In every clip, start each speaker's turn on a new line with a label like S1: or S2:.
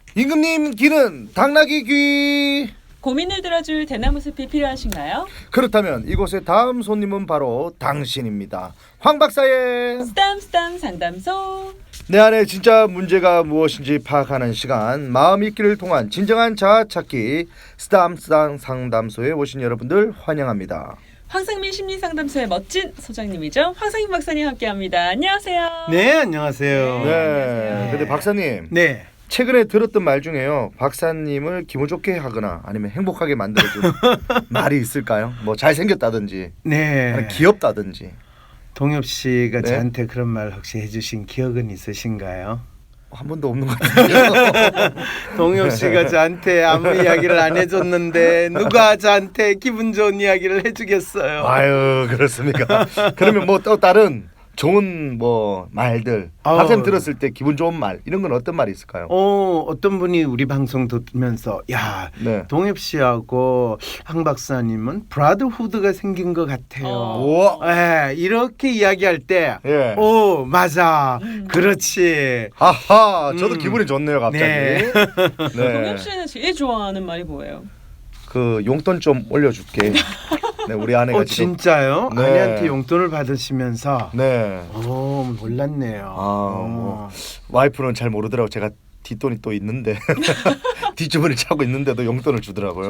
S1: 임금님 귀는 당나귀 귀.
S2: 고민을 들어줄 대나무 숲이 필요하신가요?
S1: 그렇다면 이곳의 다음 손님은 바로 당신입니다. 황 박사의
S2: 스담 상담소.
S1: 내 안에 진짜 문제가 무엇인지 파악하는 시간, 마음 읽기를 통한 진정한 자아 찾기 스담 상담소에 오신 여러분들 환영합니다.
S2: 황상민 심리상담소의 멋진 소장님이죠. 황상민 박사님 함께합니다. 안녕하세요.
S3: 네, 안녕하세요.
S1: 네.
S2: 안녕하세요.
S1: 근데 박사님,
S3: 네.
S1: 최근에 들었던 말 중에요. 박사님을 기분 좋게 하거나 아니면 행복하게 만들어준 말이 있을까요? 뭐 잘생겼다든지,
S3: 네.
S1: 아니면 귀엽다든지.
S3: 동엽 씨가
S1: 네?
S3: 저한테 그런 말 혹시 해주신 기억은 있으신가요?
S1: 한 번도 없는 것 같아요.
S3: 동엽 씨가 저한테 아무 이야기를 안 해줬는데 누가 저한테 기분 좋은 이야기를 해주겠어요?
S1: 아유, 그렇습니까? 그러면 뭐 또 다른 좋은 뭐 말들, 박사님 들었을 때 기분 좋은 말 이런 건 어떤 말이 있을까요?
S3: 어떤 분이 우리 방송 듣면서 야,
S1: 네.
S3: 동엽 씨하고 황 박사님은 브라더후드가 생긴 것 같아요.
S1: 우와.
S3: 네, 이렇게 이야기할 때,
S1: 예.
S3: 오 맞아, 그렇지.
S1: 하하, 저도 기분이 좋네요, 갑자기.
S3: 네.
S2: 동엽 씨는 제일 좋아하는 말이 뭐예요?
S1: 그 용돈 좀 올려줄게. 네, 우리 아내가 지금.
S3: 진짜요?
S1: 네.
S3: 아내한테 용돈을 받으시면서.
S1: 네.
S3: 오, 몰랐네요.
S1: 뭐 와이프는 잘 모르더라고. 제가 뒷돈이 또 있는데 뒷주머니 차고 있는데도 용돈을 주더라고요.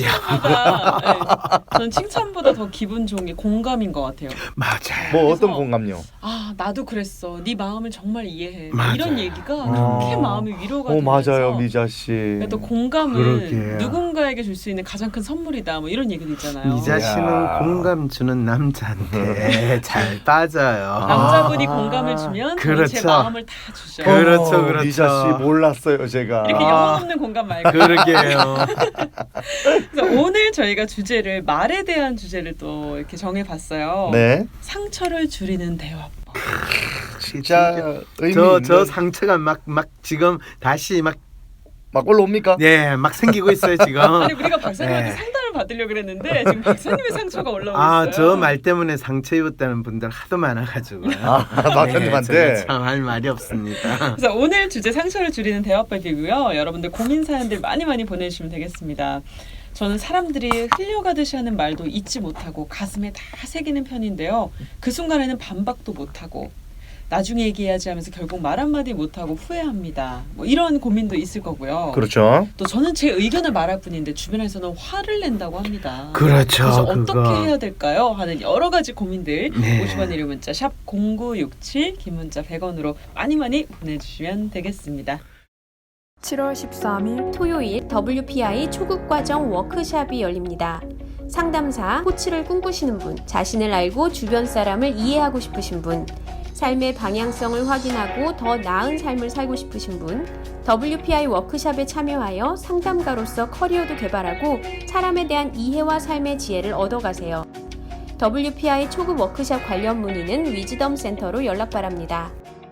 S2: 저는 칭찬보다 더 기분 좋은 게 공감인 것 같아요.
S3: 맞아요.
S1: 뭐 어떤
S2: 그래서
S1: 공감요?
S2: 아 나도 그랬어. 네 마음을 정말 이해해.
S3: 맞아요.
S2: 이런 얘기가 그렇게 마음이 위로가 되면서
S1: 맞아요, 미자 씨.
S2: 또 공감은
S3: 그러게요.
S2: 누군가에게 줄 수 있는 가장 큰 선물이다. 뭐 이런 얘기도 있잖아요.
S3: 미자 씨는
S1: 이야.
S3: 공감 주는 남자한테 잘 빠져요.
S2: 남자분이 공감을 주면 저는 제
S3: 그렇죠.
S2: 마음을 다 주죠.
S3: 그렇죠, 그렇죠.
S1: 미자 씨 몰랐어요, 제가.
S2: 이렇게 영혼 없는 공감 말고.
S3: 그러게요.
S2: 그래서 오늘 저희가 주제를 말에 대한 주제를 또 이렇게 정해봤어요.
S1: 네.
S2: 상처를 줄이는 대화법.
S1: 진짜 의미
S3: 저
S1: 있는
S3: 상처가 막 지금 다시 막
S1: 올라옵니까?
S3: 생기고 있어요 지금.
S2: 아니 우리가 박사님한테
S3: 네.
S2: 상담을 받으려고 그랬는데 지금 박사님의 상처가 올라오고 있어요.
S3: 저 말 때문에 상처 입었다는 분들 하도 많아가지고.
S1: 박사님한테.
S3: 참 할 말이 없습니다.
S2: 그래서 오늘 주제 상처를 줄이는 대화법이고요. 여러분들 고민 사연들 많이 보내주시면 되겠습니다. 저는 사람들이 흘려가듯이 하는 말도 잊지 못하고 가슴에 다 새기는 편인데요. 그 순간에는 반박도 못하고 나중에 얘기해야지 하면서 결국 말 한마디 못하고 후회합니다. 뭐 이런 고민도 있을 거고요.
S1: 그렇죠.
S2: 또 저는 제 의견을 말할 뿐인데 주변에서는 화를 낸다고 합니다.
S3: 그렇죠.
S2: 그래서
S3: 그거.
S2: 어떻게 해야 될까요? 하는 여러 가지 고민들
S3: 네.
S2: 50원 1호 문자 샵 0967 긴 문자 100원으로 많이 보내주시면 되겠습니다.
S4: 7월 13일
S5: 토요일 WPI 초급과정 워크샵이 열립니다. 상담사, 코치를 꿈꾸시는 분, 자신을 알고 주변 사람을 이해하고 싶으신 분, 삶의 방향성을 확인하고 더 나은 삶을 살고 싶으신 분, WPI 워크샵에 참여하여 상담가로서 커리어도 개발하고 사람에 대한 이해와 삶의 지혜를 얻어가세요. WPI 초급 워크샵 관련 문의는 위즈덤 센터로 연락 바랍니다.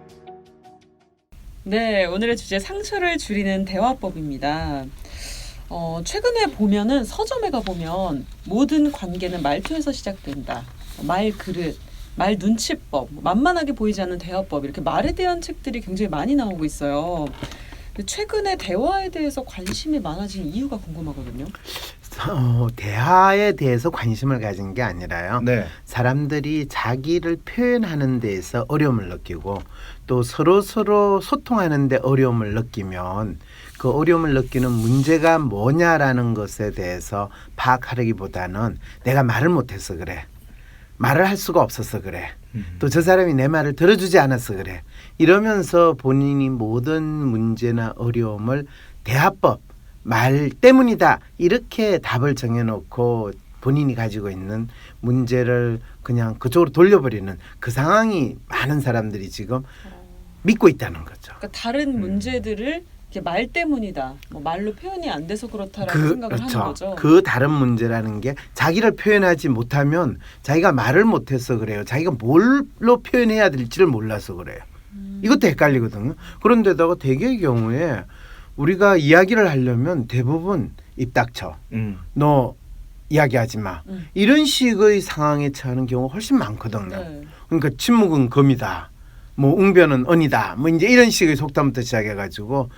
S2: 네, 오늘의 주제 상처를 줄이는 대화법입니다. 최근에 보면은 서점에 가보면 모든 관계는 말투에서 시작된다. 말 그릇, 말 눈치법, 만만하게 보이지 않는 대화법 이렇게 말에 대한 책들이 굉장히 많이 나오고 있어요. 최근에 대화에 대해서 관심이 많아진 이유가 궁금하거든요.
S3: 대화에 대해서 관심을 가진 게 아니라요.
S1: 네.
S3: 사람들이 자기를 표현하는 데에서 어려움을 느끼고 또 서로 소통하는 데 어려움을 느끼면 그 어려움을 느끼는 문제가 뭐냐라는 것에 대해서 파악하기보다는 내가 말을 못해서 그래. 말을 할 수가 없어서 그래. 또 저 사람이 내 말을 들어주지 않아서 그래. 이러면서 본인이 모든 문제나 어려움을 대화법, 말 때문이다. 이렇게 답을 정해놓고 본인이 가지고 있는 문제를 그냥 그쪽으로 돌려버리는 그 상황이 많은 사람들이 지금 믿고 있다는 거죠.
S2: 그러니까 다른 문제들을 이렇게 말 때문이다. 뭐 말로 표현이 안 돼서 그렇다라고 생각을
S3: 그렇죠.
S2: 하는 거죠.
S3: 그 다른 문제라는 게 자기를 표현하지 못하면 자기가 말을 못해서 그래요. 자기가 뭘로 표현해야 될지를 몰라서 그래요. 이것도 헷갈리거든요. 그런데다가 대개의 경우에 우리가 이야기를 하려면 대부분 입 닥쳐. 너 이야기하지 마. 이런 식의 상황에 처하는 경우가 훨씬 많거든요.
S2: 네.
S3: 그러니까 침묵은 금이다. 뭐 웅변은 언이다. 뭐 이제 이런 식의 속담부터 시작해가지고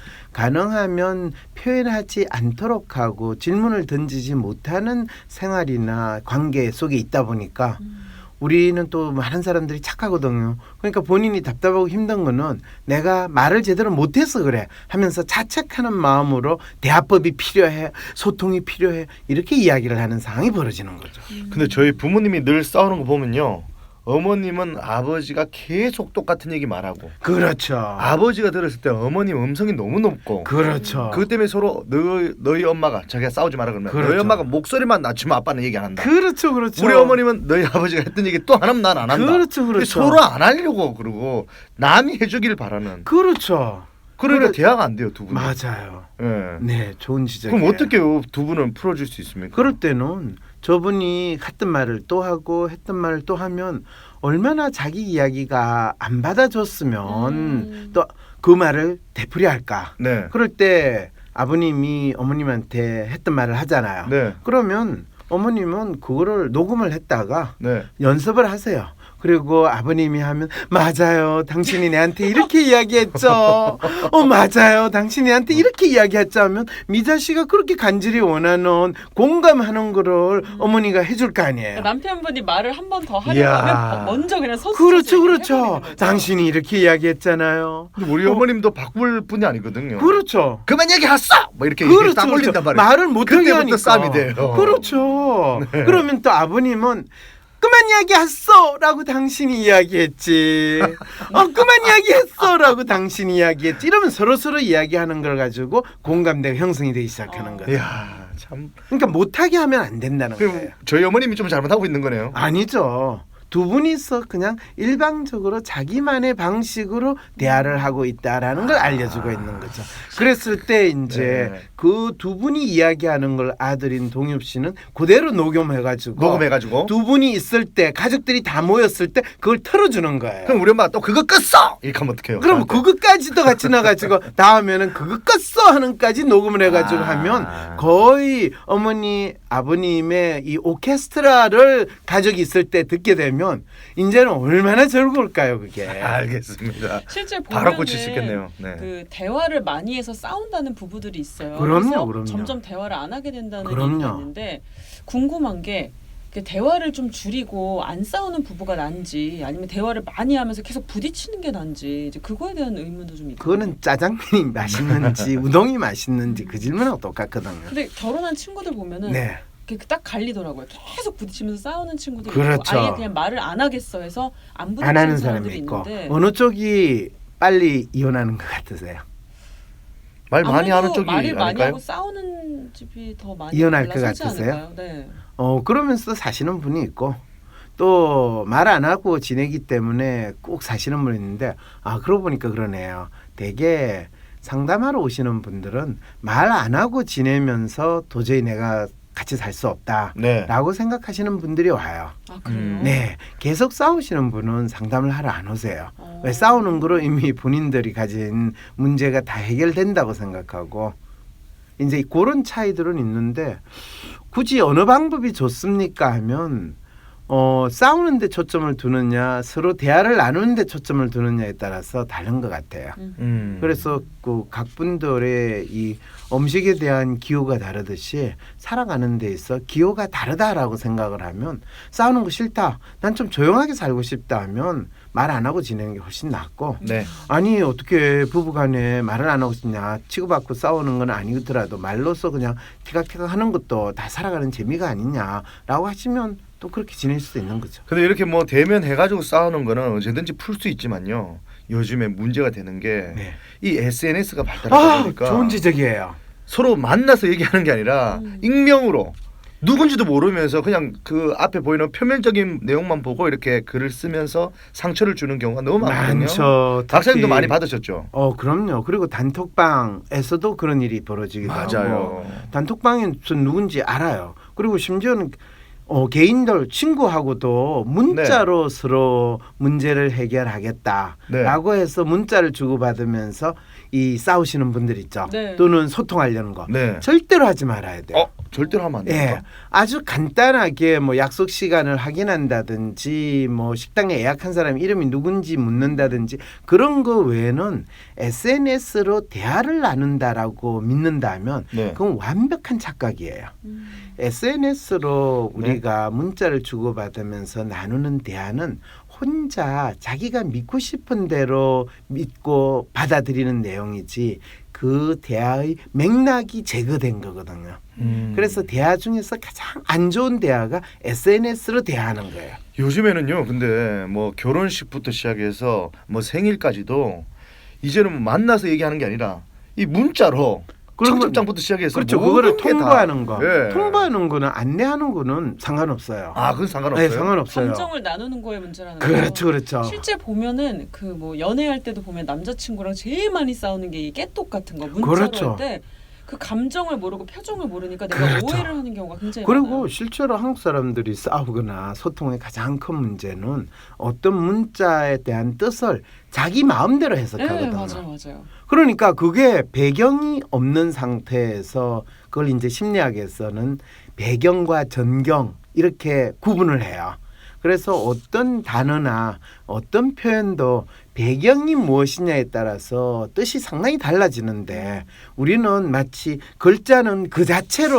S3: 가능하면 표현하지 않도록 하고 질문을 던지지 못하는 생활이나 관계 속에 있다 보니까 우리는 또 많은 사람들이 착하거든요. 그러니까 본인이 답답하고 힘든 거는 내가 말을 제대로 못해서 그래 하면서 자책하는 마음으로 대화법이 필요해, 소통이 필요해 이렇게 이야기를 하는 상황이 벌어지는 거죠.
S1: 근데 저희 부모님이 늘 싸우는 거 보면요. 어머님은 아버지가 계속 똑같은 얘기 말하고
S3: 그렇죠.
S1: 아버지가 들었을 때 어머님 음성이 너무 높고
S3: 그렇죠.
S1: 그것 때문에 서로 너희 엄마가 자기가 싸우지 마라 그러면
S3: 그렇죠.
S1: 너희 엄마가 목소리만 낮추면 아빠는 얘기 안 한다.
S3: 그렇죠, 그렇죠.
S1: 우리 어머님은 너희 아버지가 했던 얘기 또 안 하면 난 안 한다.
S3: 그렇죠, 그렇죠.
S1: 서로 안 하려고 그러고 남이 해주길 바라는.
S3: 그렇죠.
S1: 그러니까 대화가 안 돼요 두 분.
S3: 맞아요.
S1: 예.
S3: 네, 좋은 지적이에요.
S1: 그럼 어떻게 두 분은 풀어줄 수 있습니까?
S3: 그럴 때는 저분이 했던 말을 또 하고 했던 말을 또 하면 얼마나 자기 이야기가 안 받아줬으면 또 그 말을 되풀이할까.
S1: 네.
S3: 그럴 때 아버님이 어머님한테 했던 말을 하잖아요.
S1: 네.
S3: 그러면 어머님은 그거를 녹음을 했다가
S1: 네.
S3: 연습을 하세요. 그리고 아버님이 하면 맞아요. 당신이 내한테 이렇게 이야기했죠. 맞아요. 당신이 내한테 이렇게 이야기했죠 하면 미자 씨가 그렇게 간절히 원하는 공감하는 거를 어머니가 해줄 거 아니에요.
S2: 그러니까 남편분이 말을 한 번 더
S3: 이야.
S2: 하려고 하면 먼저 그냥 서서
S3: 그렇죠. 그렇죠. 당신이 이렇게 이야기했잖아요.
S1: 근데 우리 어머님도 바꿀 분이 아니거든요.
S3: 그렇죠.
S1: 그만 얘기했어. 뭐 이렇게
S3: 그렇죠.
S1: 딱 올린단
S3: 그렇죠.
S1: 말이에요.
S3: 말을 못하게
S1: 그때부터
S3: 하니까.
S1: 싸움이 돼요.
S3: 그렇죠.
S1: 네.
S3: 그러면 또 아버님은 그만 이야기했어라고 당신이 이야기했지. 그만 이야기했어라고 당신이 이야기했지. 이러면 서로 이야기하는 걸 가지고 공감대가 형성이 되기 시작하는 거예요.
S1: 이야 참.
S3: 그러니까 못하게 하면 안 된다는
S1: 그럼
S3: 거예요.
S1: 저희 어머님이 좀 잘못하고 있는 거네요.
S3: 아니죠. 두 분이서 그냥 일방적으로 자기만의 방식으로 대화를 하고 있다라는 걸 알려주고 있는 거죠. 그랬을 때 이제
S1: 네.
S3: 그 두 분이 이야기하는 걸 아들인 동엽 씨는 그대로 녹음해가지고 두 분이 있을 때 가족들이 다 모였을 때 그걸 틀어주는 거예요.
S1: 그럼 우리 엄마가 또 그거 껐어 이렇게 하면 어떡해요?
S3: 그럼
S1: 저한테.
S3: 그것까지도 같이 나가지고 다음에는 그거 껐어 하는까지 녹음을 해가지고 하면 거의 어머니 아버님의 이 오케스트라를 가족이 있을 때 듣게 되면 이제는 얼마나 즐거울까요 그게.
S1: 알겠습니다.
S2: 실제
S1: 바로
S2: 보면은
S1: 고칠 수 있겠네요. 네.
S2: 그 대화를 많이 해서 싸운다는 부부들이 있어요.
S3: 그럼요,
S2: 그래서
S3: 그럼요.
S2: 점점 대화를 안 하게 된다는
S3: 그럼요.
S2: 얘기가 있는데 궁금한 게 그 대화를 좀 줄이고 안 싸우는 부부가 난지 아니면 대화를 많이 하면서 계속 부딪히는 게 난지 이제 그거에 대한 의문도 좀 있거든요.
S3: 그거는 짜장면이 맛있는지 우동이 맛있는지 그 질문하고 똑같거든요.
S2: 근데 결혼한 친구들 보면은
S3: 네.
S2: 그게 딱 갈리더라고요. 계속 부딪히면서 싸우는 친구들이
S3: 그렇죠.
S2: 있고 아예 그냥 말을 안 하겠어 해서 안
S3: 안
S2: 부딪히는
S3: 하는
S2: 사람들이
S3: 사람이 있고
S2: 있는데
S3: 어느 쪽이 빨리 이혼하는 것 같으세요?
S1: 말 많이 하는
S2: 아무래도
S1: 쪽이
S2: 말을 많이
S1: 아닐까요?
S2: 하고 싸우는 집이 더 많이
S3: 이혼할 것
S2: 올라서지
S3: 같으세요?
S2: 않을까요? 네.
S3: 그러면서 사시는 분이 있고 또 말 안 하고 지내기 때문에 꼭 사시는 분이 있는데 그러고 보니까 그러네요. 되게 상담하러 오시는 분들은 말 안 하고 지내면서 도저히 내가 같이 살 수 없다라고
S1: 네.
S3: 생각하시는 분들이 와요.
S2: 아 그래요?
S3: 네, 계속 싸우시는 분은 상담을 하러 안 오세요.
S2: 어.
S3: 왜 싸우는 거로 이미 본인들이 가진 문제가 다 해결된다고 생각하고 이제 그런 차이들은 있는데 굳이 어느 방법이 좋습니까 하면 싸우는 데 초점을 두느냐 서로 대화를 나누는 데 초점을 두느냐에 따라서 다른 것 같아요. 그래서 그 각 분들의 이 음식에 대한 기호가 다르듯이 살아가는 데 있어 기호가 다르다라고 생각을 하면 싸우는 거 싫다. 난 좀 조용하게 살고 싶다 하면 말 안 하고 지내는 게 훨씬 낫고
S1: 네.
S3: 아니 어떻게 부부간에 말을 안 하고 싶냐 치고받고 싸우는 건 아니더라도 말로써 그냥 티각티각 하는 것도 다 살아가는 재미가 아니냐라고 하시면 또 그렇게 지낼 수도 있는 거죠.
S1: 근데 이렇게 뭐 대면 해가지고 싸우는 거는 언제든지 풀 수 있지만요. 요즘에 문제가 되는 게 이
S3: 네.
S1: SNS가 발달하다 보니까
S3: 좋은 지적이에요.
S1: 서로 만나서 얘기하는 게 아니라 익명으로 누군지도 모르면서 그냥 그 앞에 보이는 표면적인 내용만 보고 이렇게 글을 쓰면서 상처를 주는 경우가 너무 많거든요.
S3: 많죠.
S1: 박사님도
S3: 특히-
S1: 많이 받으셨죠?
S3: 그럼요. 그리고 단톡방에서도 그런 일이 벌어지기도 하고
S1: 맞아요.
S3: 단톡방에서 누군지 알아요. 그리고 심지어는 개인들 친구하고도 문자로 서로 문제를 해결하겠다라고 해서 문자를 주고받으면서 이 싸우시는 분들 있죠.
S2: 네.
S3: 또는 소통하려는 거.
S1: 네.
S3: 절대로 하지 말아야 돼요.
S1: 절대로 하면 안
S3: 예,
S1: 돼요.
S3: 아주 간단하게 뭐 약속 시간을 확인한다든지 뭐 식당에 예약한 사람 이름이 누군지 묻는다든지 그런 거 외에는 SNS로 대화를 나눈다라고 믿는다면
S1: 네.
S3: 그건 완벽한 착각이에요. SNS로 우리가 문자를 주고받으면서 나누는 대화는 혼자 자기가 믿고 싶은 대로 믿고 받아들이는 내용이지 그 대화의 맥락이 제거된 거거든요. 그래서 대화 중에서 가장 안 좋은 대화가 SNS로 대화하는 거예요.
S1: 요즘에는요. 근데 뭐 결혼식부터 시작해서 뭐 생일까지도 이제는 뭐 만나서 얘기하는 게 아니라 이 문자로
S3: 그러면-
S1: 청첩장부터 시작해서
S3: 그렇죠.
S1: 모든
S3: 그거를
S1: 게 다-
S3: 통보하는 거.
S1: 예.
S3: 통보하는 거는 안내하는 거는 상관없어요.
S1: 아, 그건 상관없어요.
S3: 네, 상관없어요.
S2: 감정을 나누는 거에 문제라는
S3: 그렇죠,
S2: 거죠.
S3: 그렇죠.
S2: 실제 보면은 그 뭐 연애할 때도 보면 남자친구랑 제일 많이 싸우는 게 이 깨똑 같은 거 문자로
S3: 그렇죠.
S2: 할 때 그 감정을 모르고 표정을 모르니까 내가
S3: 그렇죠.
S2: 오해를 하는 경우가 굉장히
S3: 그리고
S2: 많아요.
S3: 실제로 한국 사람들이 싸우거나 소통의 가장 큰 문제는 어떤 문자에 대한 뜻을 자기 마음대로
S2: 네,
S3: 해석하거든요.
S2: 맞아요.
S3: 그러니까 그게 배경이 없는 상태에서 그걸 이제 심리학에서는 배경과 전경 이렇게 구분을 해요. 그래서 어떤 단어나 어떤 표현도 배경이 무엇이냐에 따라서 뜻이 상당히 달라지는데 우리는 마치 글자는 그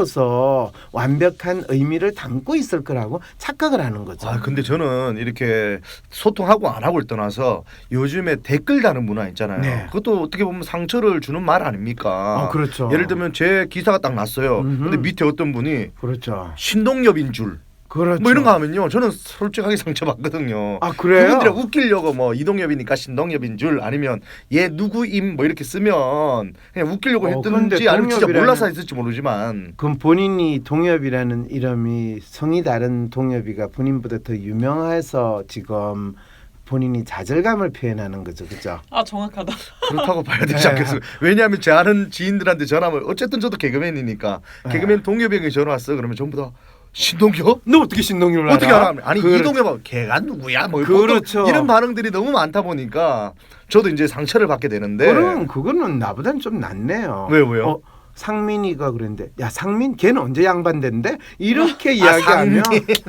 S3: 자체로서 완벽한 의미를 담고 있을 거라고 착각을 하는 거죠.
S1: 아, 근데 저는 이렇게 소통하고 안 하고를 떠나서 요즘에 댓글 다는 문화 있잖아요.
S3: 네.
S1: 그것도 어떻게 보면 상처를 주는 말 아닙니까?
S3: 그렇죠.
S1: 예를 들면 제 기사가 딱 났어요. 근데 밑에 어떤 분이
S3: 그렇죠.
S1: 신동엽인 줄
S3: 그렇죠.
S1: 뭐 이런 거 하면요. 저는 솔직하게 상처받거든요.
S3: 아, 그래요?
S1: 그분들이 웃기려고 뭐 이동엽이니까 신동엽인 줄 아니면 얘 누구임 뭐 이렇게 쓰면 그냥 웃기려고
S3: 그런데
S1: 했든지 아니면 진짜
S3: 동엽이라는-
S1: 몰라서 했을지 모르지만
S3: 그럼 본인이 동엽이라는 이름이 성이 다른 동엽이가 본인보다 더 유명해서 지금 본인이 좌절감을 표현하는 거죠, 그죠?
S2: 아 정확하다.
S1: 그렇다고 봐야 되지
S3: 네.
S1: 않겠어요? 왜냐하면 제 아는 지인들한테 전화하면 어쨌든 저도 개그맨이니까
S3: 네.
S1: 개그맨 동엽이 형이 전화 왔어. 그러면 전부 다 신동엽?
S3: 너 어떻게 신동엽을
S1: 어떻게 알아? 아니
S3: 그렇죠.
S1: 이동엽 걔가 누구야? 뭐
S3: 그렇죠.
S1: 이런 반응들이 너무 많다 보니까 저도 이제 상처를 받게 되는데
S3: 그럼 그거는 나보다는 좀 낫네요.
S1: 왜요?
S3: 상민이가 그랬는데 야 상민 걔는 언제 양반된데 이렇게
S1: 아,
S3: 이야기하면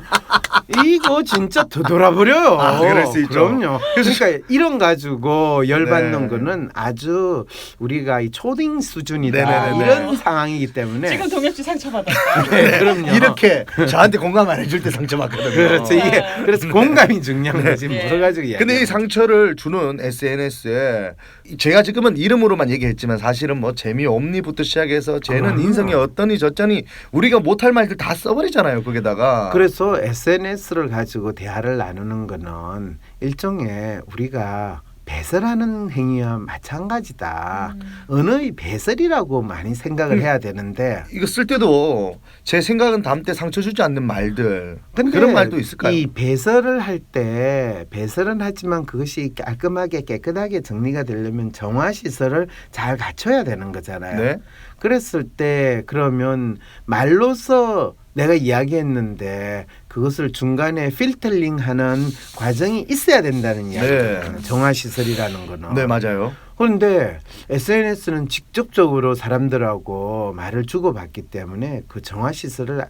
S3: 이거 진짜 되돌아버려요.
S1: 아, 그럴 수 있죠.
S3: 그럼요. 그러니까 이런 가지고 열받는
S1: 네.
S3: 거는 아주 우리가 이 초딩 수준이다
S1: 네네네네.
S3: 이런 상황이기 때문에
S2: 지금 동엽 씨 상처받았다.
S3: 네, 그럼요.
S1: 이렇게 저한테 공감 안 해줄 때 상처받거든요.
S3: 그렇죠. 이게
S2: 네.
S3: 그래서 공감이 중요한 거지
S2: 네.
S3: 여러 가지 이야기.
S1: 근데 이 상처를 주는 SNS에 제가 지금은 이름으로만 얘기했지만 사실은 뭐 재미 옴니부터 시작해서 쟤는 인성이 어떠니 저쩌니 우리가 못할 말들 다 써버리잖아요. 거기다가
S3: 그래서 SNS를 가지고 대화를 나누는 거는 일종의 우리가 배설하는 행위와 마찬가지다. 언어의 배설이라고 많이 생각을 해야 되는데
S1: 이거 쓸 때도 제 생각은 다음 때 상처 주지 않는 말들
S3: 근데
S1: 그런 말도 있을까요?
S3: 이 배설을 할 때 배설은 하지만 그것이 깔끔하게 깨끗하게 정리가 되려면 정화 시설을 잘 갖춰야 되는 거잖아요.
S1: 네.
S3: 그랬을 때 그러면 말로서 내가 이야기했는데 그것을 중간에 필터링하는 과정이 있어야 된다는 이야기잖아요. 정화 시설이라는 거는.
S1: 네, 맞아요.
S3: 그런데 SNS는 직접적으로 사람들하고 말을 주고받기 때문에 그 정화 시설을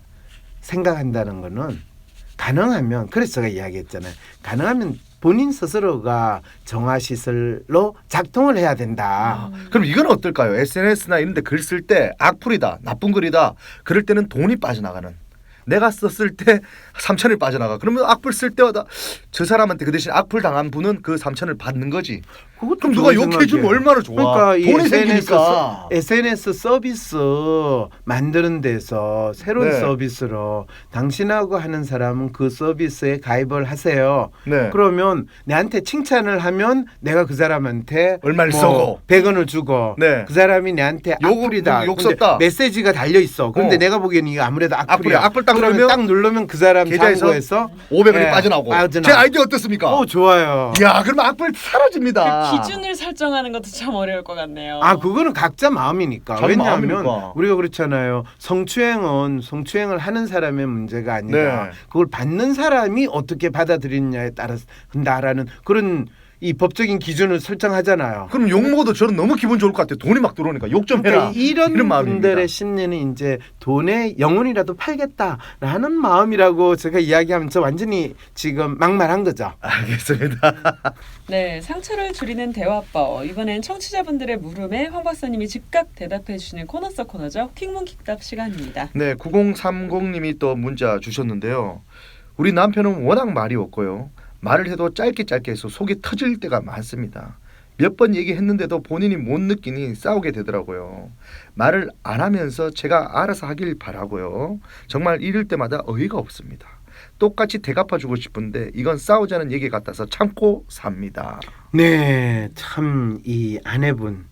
S3: 생각한다는 거는 가능하면 그래서 제가 이야기했잖아요. 가능하면 본인 스스로가 정화 시설로 작동을 해야 된다.
S1: 그럼 이건 어떨까요? SNS나 이런 데 글 쓸 때 악플이다, 나쁜 글이다. 그럴 때는 돈이 빠져나가는. 내가 썼을 때 3천을 빠져나가. 그러면 악플 쓸 때마다 저 사람한테 그 대신 악플 당한 분은 그 3천을 받는 거지.
S3: 그것도
S1: 그럼 누가
S3: 좋은
S1: 욕해 주면
S3: 생각이에요.
S1: 얼마나 좋아.
S3: 그러니까 이
S1: 돈이
S3: SNS,
S1: 생기니까.
S3: SNS 서비스 만드는 데서 새로운
S1: 네.
S3: 서비스로 당신하고 하는 사람은 그 서비스에 가입을 하세요.
S1: 네.
S3: 그러면 내한테 칭찬을 하면 내가 그 사람한테
S1: 얼마를 쏘고.
S3: 100원을 주고
S1: 네.
S3: 그 사람이 내한테 악플이다.
S1: 욕
S3: 근데
S1: 썼다.
S3: 메시지가 달려 있어. 근데
S1: 어.
S3: 내가 보기에는 이거 아무래도 악플이야.
S1: 악플이야. 악플 딱
S3: 그러면
S1: 누르면
S3: 딱 누르면 그 사람
S1: 계좌에서
S3: 잔고에서
S1: 500원이
S3: 예,
S1: 빠져나오고.
S3: 빠져나오고.
S1: 제 아이디어 어떻습니까?
S3: 좋아요.
S1: 야, 그러면 악플 사라집니다.
S2: 그 기준을 설정하는 것도 참 어려울 것 같네요.
S3: 그거는 각자 마음이니까.
S1: 자기
S3: 왜냐하면
S1: 마음이니까.
S3: 우리가 그렇잖아요. 성추행은 성추행을 하는 사람의 문제가 아니라
S1: 네.
S3: 그걸 받는 사람이 어떻게 받아들이느냐에 따라서 한다라는 그런 이 법적인 기준을 설정하잖아요.
S1: 그럼 욕 먹어도 저는 너무 기분 좋을 것 같아요. 돈이 막 들어오니까 욕 좀 해라.
S3: 그러니까 이런
S1: 마음입니다.
S3: 분들의 심리는 이제 돈에 영혼이라도 팔겠다라는 마음이라고 제가 이야기하면 저 완전히 지금 막말한 거죠.
S1: 알겠습니다.
S2: 네, 상처를 줄이는 대화법. 이번엔 청취자분들의 물음에 황 박사님이 즉각 대답해 주시는 코너 속 코너죠. 퀵문 퀵답 시간입니다.
S1: 네, 9030님이 또 문자 주셨는데요. 우리 남편은 워낙 말이 없고요. 말을 해도 짧게 해서 속이 터질 때가 많습니다. 몇 번 얘기했는데도 본인이 못 느끼니 싸우게 되더라고요. 말을 안 하면서 제가 알아서 하길 바라고요. 정말 이럴 때마다 어이가 없습니다. 똑같이 대갚아주고 싶은데 이건 싸우자는 얘기 같아서 참고 삽니다.
S3: 네, 참 이 아내분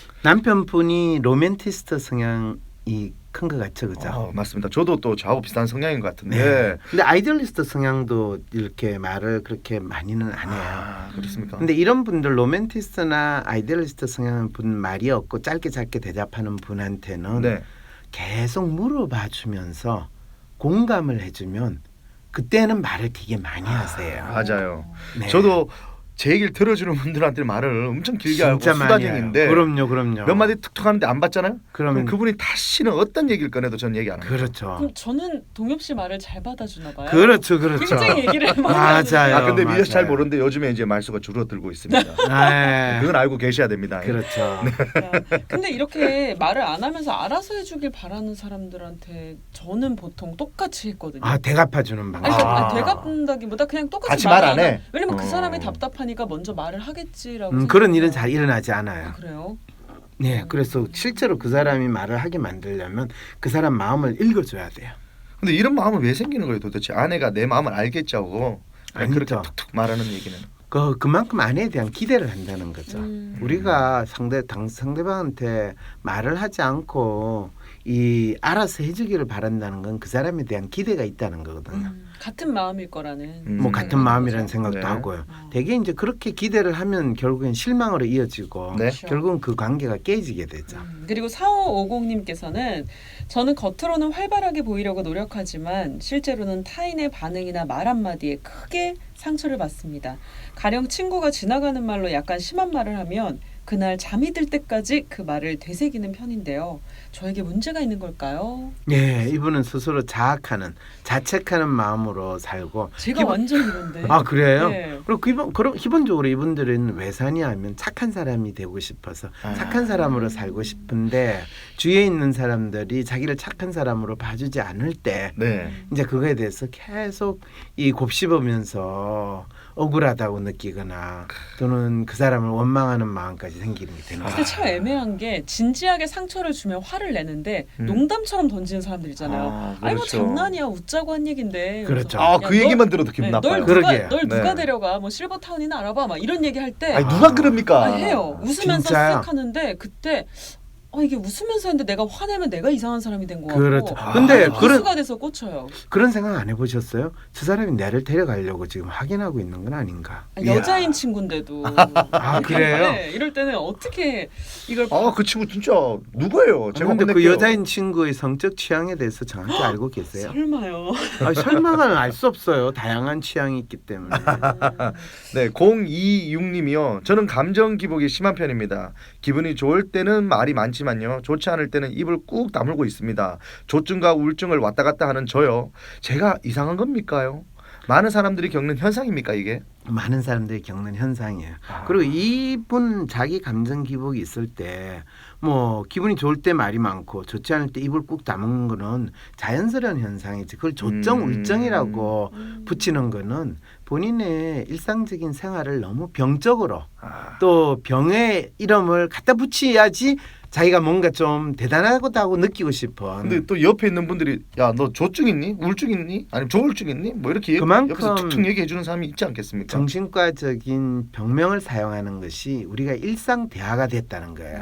S3: 남편분이 로맨티스트 성향이 큰 것 같죠, 그죠?
S1: 맞습니다. 저도 또 저하고 비슷한 성향인 것 같은데.
S3: 네. 근데 아이디얼리스트 성향도 이렇게 말을 그렇게 많이는 안 해요.
S1: 그렇습니까?
S3: 근데 이런 분들 로맨티스트나 아이디얼리스트 성향 분 말이 없고 짧게 대답하는 분한테는
S1: 네.
S3: 계속 물어봐 주면서 공감을 해주면 그때는 말을 되게 많이 하세요.
S1: 맞아요.
S3: 네.
S1: 저도 제 얘기를 들어주는 분들한테 말을 엄청 길게 하고
S3: 진짜 많이
S1: 수다쟁인데
S3: 해요. 그럼요.
S1: 몇 마디 툭툭 하는데 안 받잖아요. 그럼
S3: 그러면
S1: 그분이 다시는 어떤 얘기를 꺼내도 저는 얘기 안 합니다.
S3: 그렇죠.
S2: 그럼 저는 동엽 씨 말을 잘 받아주나 봐요.
S3: 그렇죠.
S2: 굉장히 얘기를 많이
S3: 맞아요.
S1: 아 근데
S3: 맞아요.
S1: 미래서 잘 모르는데 요즘에 이제 말수가 줄어들고 있습니다.
S3: 네.
S1: 그건 알고 계셔야 됩니다.
S3: 그렇죠.
S2: 하는데. 근데 이렇게 말을 안 하면서 알아서 해주길 바라는 사람들한테 저는 보통 똑같이 했거든요.
S3: 아 대갚아주는
S2: 아니,
S3: 방법.
S2: 그러니까 되갚는다기보다 그냥 똑같이
S1: 같이 말 안 해.
S2: 해. 왜냐면 그 사람이
S1: 어.
S2: 답답하니까 먼저 말을 하겠지라고.
S3: 그런
S2: 생각해요.
S3: 일은 잘 일어나지 않아요.
S2: 아, 그래요?
S3: 네, 그래서 실제로 그 사람이 말을 하게 만들려면 그 사람 마음을 읽어줘야 돼요.
S1: 근데 이런 마음은 왜 생기는 거예요 도대체? 아내가 내 마음을 알겠자고 그렇게
S3: 아니죠.
S1: 툭툭 말하는 얘기는.
S3: 그만큼 아내에 대한 기대를 한다는 거죠. 우리가 상대방한테 말을 하지 않고 이 알아서 해주기를 바란다는 건 그 사람에 대한 기대가 있다는 거거든요.
S2: 같은 마음일 거라는.
S3: 뭐 같은 마음이라는
S2: 거죠.
S3: 생각도
S1: 네.
S3: 하고요. 되게 이제 그렇게 기대를 하면 결국엔 실망으로 이어지고
S1: 네.
S3: 결국은 그 관계가 깨지게 되죠.
S2: 그리고 4550님께서는 저는 겉으로는 활발하게 보이려고 노력하지만 실제로는 타인의 반응이나 말 한마디에 크게 상처를 받습니다. 가령 친구가 지나가는 말로 약간 심한 말을 하면 그날 잠이 들 때까지 그 말을 되새기는 편인데요. 저에게 문제가 있는 걸까요?
S3: 예, 이분은 스스로 자책하는 마음으로 살고.
S2: 제가 완전 이런데.
S3: 아 그래요?
S2: 네.
S3: 그리고 기본적으로 이분들은 왜 사냐면 착한 사람이 되고 싶어서 착한 사람으로 살고 싶은데 주위에 있는 사람들이 자기를 착한 사람으로 봐주지 않을 때
S1: 네.
S3: 이제 그거에 대해서 계속 이 곱씹으면서 억울하다고 느끼거나 또는 그 사람을 원망하는 마음까지 생기는 게 되는
S2: 근데
S3: 거예요.
S2: 참 애매한 게 진지하게 상처를 주면 화를 내는데 농담처럼 던지는 사람들 있잖아요. 아니 뭐
S1: 그렇죠.
S2: 장난이야 웃자고 한 얘기인데.
S3: 그렇죠.
S2: 그래서
S1: 그 얘기만 들어도 기분 나빠요.
S3: 그러게.
S2: 널 누가
S1: 네.
S2: 데려가 뭐 실버타운이나 알아봐 막 이런 얘기 할 때
S1: 아니 누가 그럽니까?
S2: 해요. 웃으면서
S3: 진짜요?
S2: 쓱 하는데 그때 이게 웃으면서 했는데 내가 화내면 내가 이상한 사람이 된 거 같고.
S3: 그렇죠. 근데
S2: 기수가 돼서 꽂혀요.
S3: 그런 생각 안 해보셨어요? 저 사람이 나를 데려가려고 지금 확인하고 있는 건 아닌가?
S2: 여자인 친구인데도.
S3: 아, 그래요?
S2: 네, 이럴 때는 어떻게 이걸
S1: 그 친구 진짜 누구예요? 제가
S3: 근데 그
S1: 혼낼게요.
S3: 여자인 친구의 성적 취향에 대해서 정확히 알고 계세요?
S2: 설마요.
S3: 설마는 알 수 없어요. 다양한 취향이 있기 때문에.
S1: 네, 026님이요. 저는 감정 기복이 심한 편입니다. 기분이 좋을 때는 말이 많지만요. 좋지 않을 때는 입을 꾹 다물고 있습니다. 조증과 우울증을 왔다 갔다 하는 저요. 제가 이상한 겁니까요? 많은 사람들이 겪는 현상입니까 이게?
S3: 많은 사람들이 겪는 현상이에요. 그리고 이분 자기 감정 기복이 있을 때 뭐 기분이 좋을 때 말이 많고 좋지 않을 때 입을 꾹 다무는 거는 자연스러운 현상이지. 그걸 조증, 울증이라고 붙이는 거는 본인의 일상적인 생활을 너무 병적으로 또 병의 이름을 갖다 붙여야지 자기가 뭔가 좀 대단하다고 느끼고 싶어.
S1: 근데 또 옆에 있는 분들이 야 너 조증 있니? 우울증 있니? 아니면 조울증 있니? 뭐 이렇게
S3: 그만큼
S1: 옆에서 툭툭 얘기해 주는 사람이 있지 않겠습니까?
S3: 정신과적인 병명을 사용하는 것이 우리가 일상 대화가 됐다는 거예요.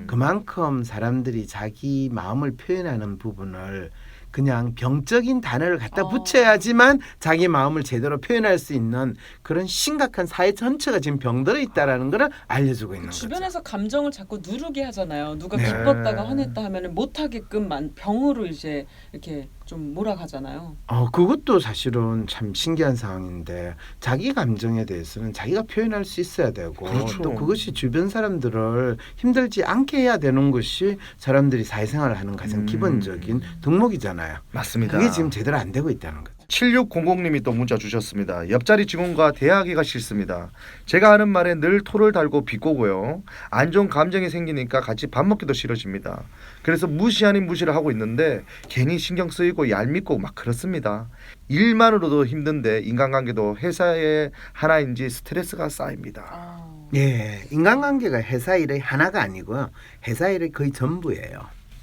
S3: 그만큼 사람들이 자기 마음을 표현하는 부분을 그냥 병적인 단어를 갖다 붙여야지만 자기 마음을 제대로 표현할 수 있는 그런 심각한 사회 전체가 지금 병들어 있다라는 걸 알려주고 있는 거죠.
S2: 주변에서 감정을 자꾸 누르게 하잖아요. 누가
S3: 네.
S2: 기뻤다가 화냈다 하면은 못 하게끔 병으로 이제 이렇게 좀 몰아가잖아요.
S3: 그것도 사실은 참 신기한 상황인데 자기 감정에 대해서는 자기가 표현할 수 있어야 되고
S1: 그렇죠.
S3: 또 그것이 주변 사람들을 힘들지 않게 해야 되는 것이 사람들이 사회생활을 하는 가장 기본적인 덕목이잖아요.
S1: 맞습니다.
S3: 그게 지금 제대로 안 되고 있다는 거죠.
S1: 7600님이 또 문자 주셨습니다. 옆자리 직원과 대화하기가 싫습니다. 제가 하는 말에 늘 토를 달고 비꼬고요. 안 좋은 감정이 생기니까 같이 밥 먹기도 싫어집니다. 그래서 무시 아닌 무시를 하고 있는데 괜히 신경 쓰이고 얄밉고 막 그렇습니다. 일만으로도 힘든데 인간관계도 회사의 하나인지 스트레스가 쌓입니다.
S3: 예, 인간관계가 회사 일의 하나가 아니고요. 회사 일의 거의 전부예요.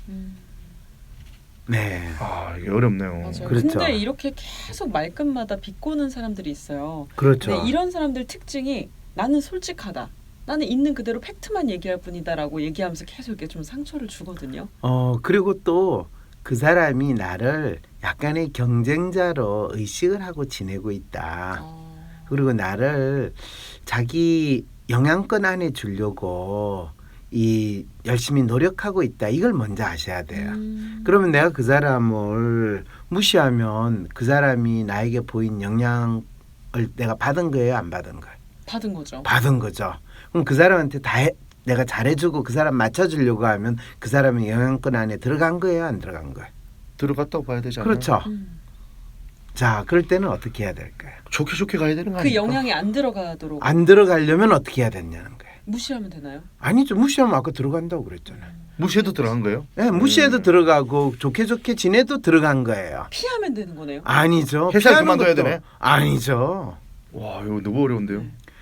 S3: 네.
S1: 이게 어렵네요.
S2: 맞아요.
S3: 그렇죠.
S2: 근데 이렇게 계속 말끝마다 비꼬는 사람들이 있어요.
S3: 그렇죠.
S2: 근데 이런 사람들 특징이 나는 솔직하다. 나는 있는 그대로 팩트만 얘기할 뿐이다라고 얘기하면서 계속 이렇게 좀 상처를 주거든요.
S3: 그리고 또 그 사람이 나를 약간의 경쟁자로 의식을 하고 지내고 있다. 그리고 나를 자기 영향권 안에 주려고 이 열심히 노력하고 있다. 이걸 먼저 아셔야 돼요. 그러면 내가 그 사람을 무시하면 그 사람이 나에게 보인 영향을 내가 받은 거예요, 안 받은 거예요?
S2: 받은 거죠.
S3: 받은 거죠. 그럼 그 사람한테 내가 잘해주고 그 사람 맞춰주려고 하면 그 사람의 영향권 안에 들어간 거예요, 안 들어간 거예요?
S1: 들어갔다고 봐야 되잖아요.
S3: 그렇죠. 자, 그럴 때는 어떻게 해야 될까요?
S1: 좋게 좋게 가야 되는 거
S2: 그
S1: 아닙니까?
S2: 영향이 안 들어가도록
S3: 안 들어가려면 어떻게 해야 되냐는 거예요.
S2: 무시하면 되나요?
S3: 아니죠. 무시하면 아까 들어간다고 그랬잖아요.
S1: 무시해도 들어간 거예요?
S3: 네, 무시해도 들어가고 좋게 좋게 지내도 들어간 거예요.
S2: 피하면 되는 거네요.
S3: 아니죠.
S1: 회사
S3: 피하는
S1: 그만둬야
S3: 것도
S1: 되네?
S3: 아니죠.
S1: 와, 이거 너무 어려운데요.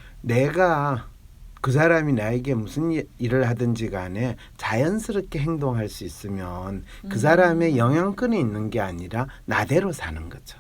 S3: 내가 그 사람이 나에게 무슨 일을 하든지 간에 자연스럽게 행동할 수 있으면 그 사람의 영향권에 있는 게 아니라 나대로 사는 거죠.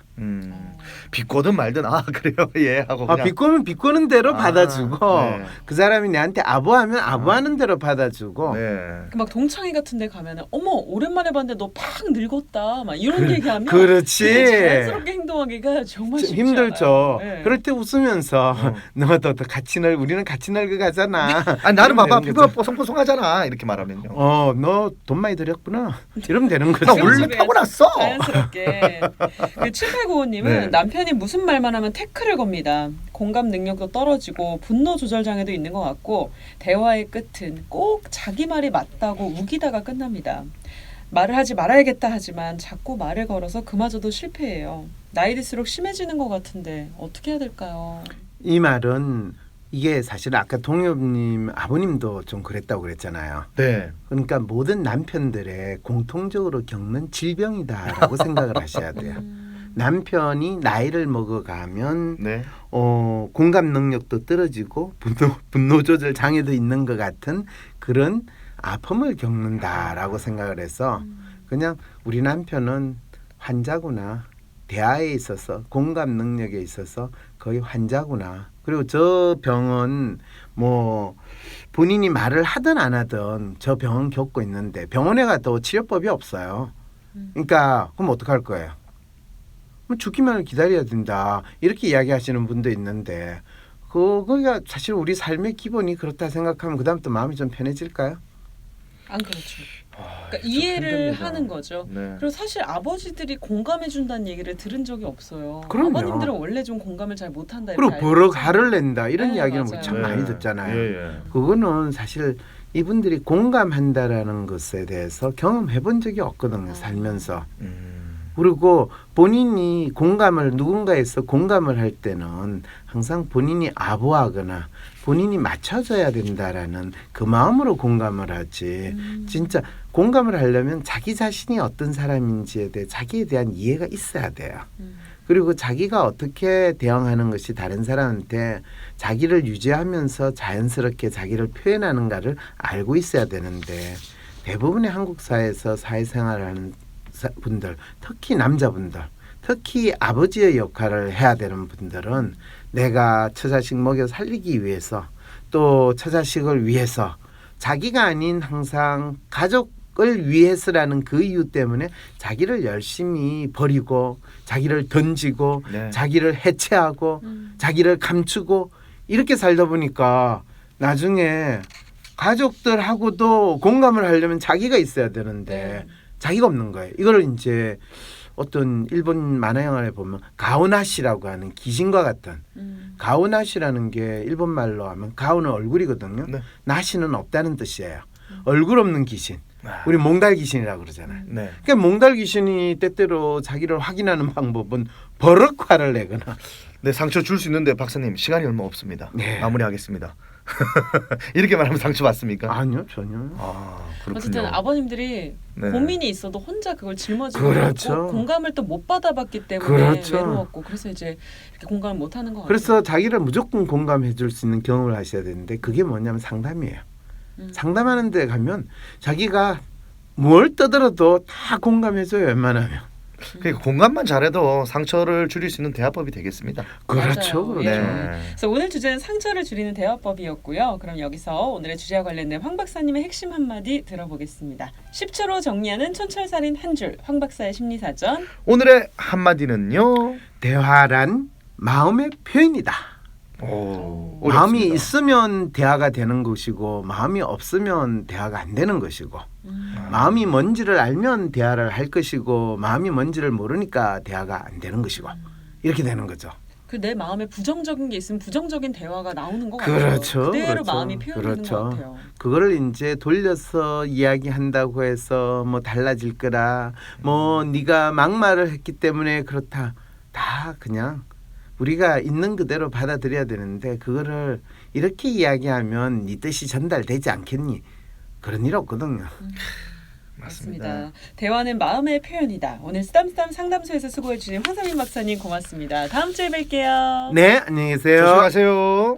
S1: 비꼬든 말든 그래요 예 하고 그냥
S3: 비꼬면 비꼬는 대로 받아주고
S1: 네.
S3: 그 사람이 나한테 아부하면 아부하는 대로 받아주고
S1: 네.
S2: 막 동창회 같은 데 가면은 어머 오랜만에 봤는데 너 팍 늙었다 막 이런 얘기하면
S3: 그렇지.
S2: 되게 자연스럽게 행동하기가 정말 쉽지
S3: 힘들죠.
S2: 않아요. 네.
S3: 그럴 때 웃으면서 너도 같이 우리는 같이 늙어가잖아.
S1: 나는 봐봐
S3: 이러면 되는
S1: 피부가
S3: 거죠.
S1: 뽀송뽀송하잖아 이렇게 말하면요.
S3: 너 돈 많이 들였구나. 이러면 되는 거죠.
S1: 나 원래 타고났어.
S2: 자연스럽게. 그 7895님은
S1: 네.
S2: 남편이 무슨 말만 하면 태클을 겁니다. 공감 능력도 떨어지고 분노 조절 장애도 있는 것 같고 대화의 끝은 꼭 자기 말이 맞다고 우기다가 끝납니다. 말을 하지 말아야겠다 하지만 자꾸 말을 걸어서 그마저도 실패해요. 나이 들수록 심해지는 것 같은데 어떻게 해야 될까요?
S3: 이 말은 이게 사실 아까 동엽님 아버님도 좀 그랬다고 그랬잖아요.
S1: 네.
S3: 그러니까 모든 남편들의 공통적으로 겪는 질병이다라고 생각을 하셔야 돼요. 남편이 나이를 먹어가면
S1: 네.
S3: 공감 능력도 떨어지고 분노 조절 장애도 있는 것 같은 그런 아픔을 겪는다라고 생각을 해서 그냥 우리 남편은 환자구나. 대화에 있어서 공감 능력에 있어서 거의 환자구나. 그리고 저 병은 뭐 본인이 말을 하든 안 하든 저 병은 겪고 있는데 병원에 가도 치료법이 없어요. 그러니까 그럼 어떡할 거예요? 죽기만을 기다려야 된다. 이렇게 이야기하시는 분도 있는데 그거가 사실 우리 삶의 기본이 그렇다 생각하면 그다음부터 마음이 좀 편해질까요?
S2: 안 그렇죠. 그러니까 이해를
S1: 힘듭니다.
S2: 하는 거죠.
S1: 네.
S2: 그리고 사실 아버지들이 공감해 준다는 얘기를 들은 적이 없어요.
S3: 그럼요.
S2: 아버님들은 원래 좀 공감을 잘 못한다.
S3: 그리고
S2: 이렇게
S3: 버럭
S2: 알고
S3: 화를 낸다 이런
S2: 네,
S3: 이야기는
S2: 맞아요.
S3: 참
S1: 네.
S3: 많이 듣잖아요.
S1: 예, 예.
S3: 그거는 사실 이분들이 공감한다라는 것에 대해서 경험해 본 적이 없거든요. 살면서. 그리고 본인이 누군가에서 공감을 할 때는 항상 본인이 아부하거나 본인이 맞춰줘야 된다라는 그 마음으로 공감을 하지. 진짜 공감을 하려면 자기 자신이 어떤 사람인지에 대해 자기에 대한 이해가 있어야 돼요. 그리고 자기가 어떻게 대응하는 것이 다른 사람한테 자기를 유지하면서 자연스럽게 자기를 표현하는가를 알고 있어야 되는데 대부분의 한국 사회에서 사회생활을 하는 분들, 특히 남자분들, 특히 아버지의 역할을 해야 되는 분들은 내가 처자식 먹여 살리기 위해서 또 처자식을 위해서 자기가 아닌 항상 가족을 위해서라는 그 이유 때문에 자기를 열심히 버리고 자기를 던지고
S1: 네.
S3: 자기를 해체하고 자기를 감추고 이렇게 살다 보니까 나중에 가족들하고도 공감을 하려면 자기가 있어야 되는데
S2: 네.
S3: 자기가 없는 거예요. 이걸 이제 어떤 일본 만화 영화에 보면 가오나시라고 하는 귀신과 같은 가오나시라는 게 일본 말로 하면 가오는 얼굴이거든요.
S1: 네.
S3: 나시는 없다는 뜻이에요. 얼굴 없는 귀신. 우리 몽달 귀신이라고 그러잖아요.
S1: 네.
S3: 그러니까 몽달 귀신이 때때로 자기를 확인하는 방법은 버럭 화를 내거나
S1: 네, 상처 줄 수 있는데 박사님 시간이 얼마 없습니다.
S3: 네.
S1: 마무리하겠습니다. 이렇게 말하면 상처 받습니까?
S3: 아니요 전혀.
S1: 아, 그렇군요.
S2: 어쨌든 아버님들이
S1: 네.
S2: 고민이 있어도 혼자 그걸 짊어지고
S3: 그렇죠.
S2: 있고 공감을 또 못 받아봤기 때문에
S3: 그렇죠.
S2: 외로웠고 그래서 이제 이렇게 공감을 못 하는 것 같아요.
S3: 그래서 자기를 무조건 공감해 줄 수 있는 경험을 하셔야 되는데 그게 뭐냐면 상담이에요. 상담하는 데 가면 자기가 뭘 떠들어도 다 공감해 줘요. 웬만하면.
S1: 그러니까 공감만 잘해도 상처를 줄일 수 있는 대화법이 되겠습니다.
S3: 그렇죠.
S2: 맞아요.
S3: 그렇죠.
S1: 네.
S2: 그래서 오늘 주제는 상처를 줄이는 대화법이었고요. 그럼 여기서 오늘의 주제와 관련된 황 박사님의 핵심 한마디 들어보겠습니다. 10초로 정리하는 촌철살인 한 줄, 황 박사의 심리사전.
S1: 오늘의 한마디는요.
S3: 대화란 마음의 표현이다.
S1: 오,
S3: 마음이
S1: 어렵습니다.
S3: 있으면 대화가 되는 것이고 마음이 없으면 대화가 안 되는 것이고 마음이 뭔지를 알면 대화를 할 것이고 마음이 뭔지를 모르니까 대화가 안 되는 것이고 이렇게 되는 거죠.
S2: 그 내 마음에 부정적인 게 있으면 부정적인 대화가 나오는 것 같아요.
S3: 그렇죠.
S2: 그대로
S3: 그렇죠.
S2: 마음이 표현되는 것 같아요.
S3: 그거를 이제 돌려서 이야기한다고 해서 뭐 달라질 거라 뭐 네가 막말을 했기 때문에 그렇다. 다 그냥 우리가 있는 그대로 받아들여야 되는데 그거를 이렇게 이야기하면 네 뜻이 전달되지 않겠니? 그런 일 없거든요.
S2: 맞습니다. 대화는 마음의 표현이다. 오늘 쓰담쓰담 상담소에서 수고해 주신 황상민 박사님 고맙습니다. 다음 주에 뵐게요.
S3: 네, 안녕히 계세요.
S1: 조심하세요.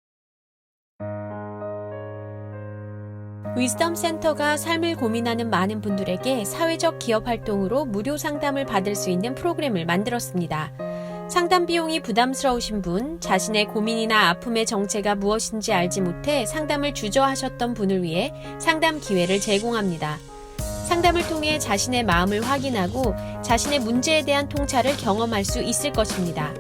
S5: 위즈덤 센터가 삶을 고민하는 많은 분들에게 사회적 기업 활동으로 무료 상담을 받을 수 있는 프로그램을 만들었습니다. 상담 비용이 부담스러우신 분, 자신의 고민이나 아픔의 정체가 무엇인지 알지 못해 상담을 주저하셨던 분을 위해 상담 기회를 제공합니다. 상담을 통해 자신의 마음을 확인하고 자신의 문제에 대한 통찰을 경험할 수 있을 것입니다.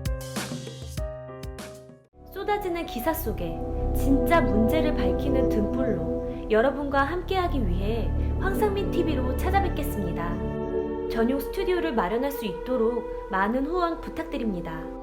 S6: 쏟아지는 기사 속에 진짜 문제를 밝히는 등불로 여러분과 함께하기 위해 황상민 TV로 찾아뵙겠습니다. 전용 스튜디오를 마련할 수 있도록 많은 후원 부탁드립니다.